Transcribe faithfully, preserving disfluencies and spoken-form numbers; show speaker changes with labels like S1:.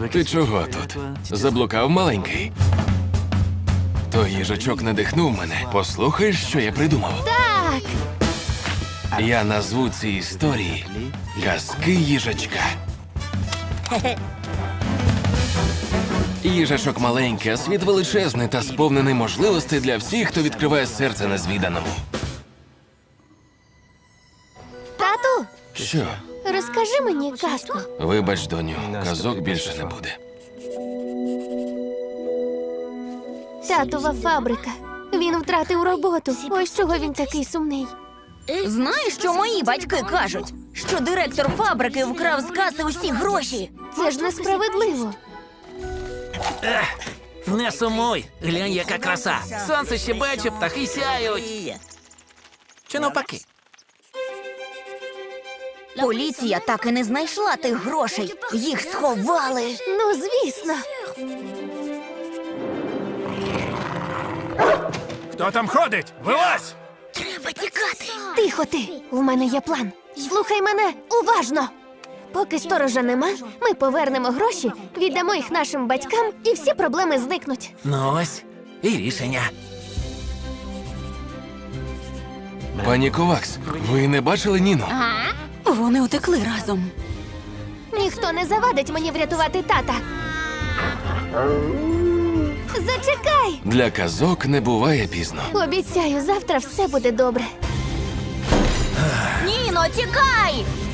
S1: Ти чого тут? Заблукав маленький? Той їжачок надихнув мене. Послухаєш, що я придумав?
S2: Так!
S1: Я назву ці історії «Казки їжачка». Їжачок маленький, а світ величезний та сповнений можливостей для всіх, хто відкриває серце незвіданому.
S2: Тату,
S1: Що?
S2: розкажи мені казку.
S1: Вибач, доню, казок більше не буде.
S2: Татова фабрика. Він втратив роботу. Ось чого він такий сумний.
S3: Знаєш, що мої батьки кажуть? Що директор фабрики вкрав з каси усі гроші.
S2: Це ж несправедливо.
S4: Не сумуй, глянь, яка краса. Сонце щебече, птахи сяють. Чи навпаки?
S3: Поліція так і не знайшла тих грошей. Їх сховали.
S2: Ну, звісно.
S5: Хто там ходить? Вилазь!
S3: Треба тікати.
S2: Тихо ти. В мене є план. Слухай мене уважно. Поки сторожа нема, ми повернемо гроші, віддамо їх нашим батькам, і всі проблеми зникнуть.
S4: Ну ось, і рішення.
S1: Пані Ковакс, ви не бачили Ніну?
S3: Вони утекли разом.
S2: Ніхто не завадить мені врятувати тата. Зачекай!
S1: Для казок не буває пізно.
S2: Обіцяю, завтра все буде добре.
S3: Ніно, тікай!